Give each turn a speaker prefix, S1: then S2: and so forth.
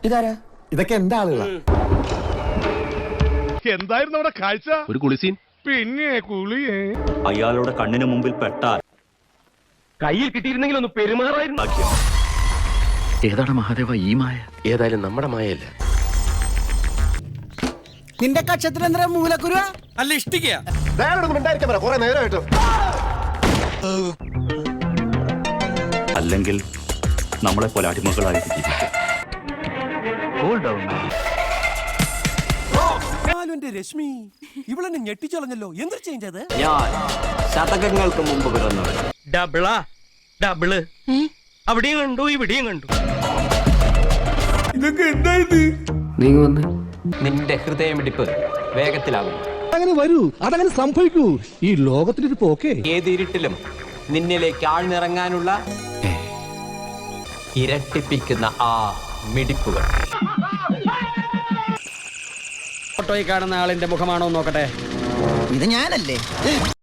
S1: ഇതാരാ?
S2: ഇതൊക്കെ എന്താ ആളുകളാ?
S3: എന്തായിരുന്നു അവിടെ കാഴ്ച?
S4: ഒരു കുളിസീൻ.
S3: പിന്നെ കുളിയേ.
S5: അയാളുടെ കണ്ണിന് മുമ്പിൽ പെട്ടാൽ
S4: കയ്യിൽ കിട്ടിയിരുന്നെങ്കിൽ ഒന്ന് പെരുമാറായിരുന്നു. ഏതാണ് മഹാദേവ ഈ മായ? ഏതായാലും നമ്മുടെ മായല്ല.
S1: നിന്റെ കക്ഷത്തിൽ എന്താ മൂലക്കുരുവ?
S6: അല്ല ഇഷ്ടിക്കുക.
S5: അല്ലെങ്കിൽ നമ്മളെ പോലെ അടിമകളായി ജീവിക്കും.
S6: രശ്മി ഇവളെന്നെ ഞെട്ടിച്ചളഞ്ഞല്ലോ. എന്ത് ചേഞ്ച് അത്?
S5: ഞാൻ ശതകങ്ങൾക്ക് മുമ്പ് പിറന്നവൻ.
S6: ഡബിളാ ഡബിള്. അവിടെയും കണ്ടു ഇവിടെയും കണ്ടു. ഇതൊക്കെ എന്തായത്?
S4: നീ വന്ന്
S5: നിന്റെ ഹൃദയമിടിപ്പ് വേഗത്തിലാകും.
S2: അങ്ങനെ വരൂ, അതങ്ങനെ സംഭവിക്കൂ. ഈ ലോകത്തിലൊരു പോക്കേ.
S5: ഏത് ഇരുട്ടിലും നിന്നിലേക്ക് ആഴ്ന്നിറങ്ങാനുള്ള ഇരട്ടിപ്പിക്കുന്ന ആ മിടിപ്പുകൾ.
S1: ഫോട്ടോയിൽ കാണുന്ന ആളിന്റെ മുഖമാണോ നോക്കട്ടെ. ഇത് ഞാനല്ലേ?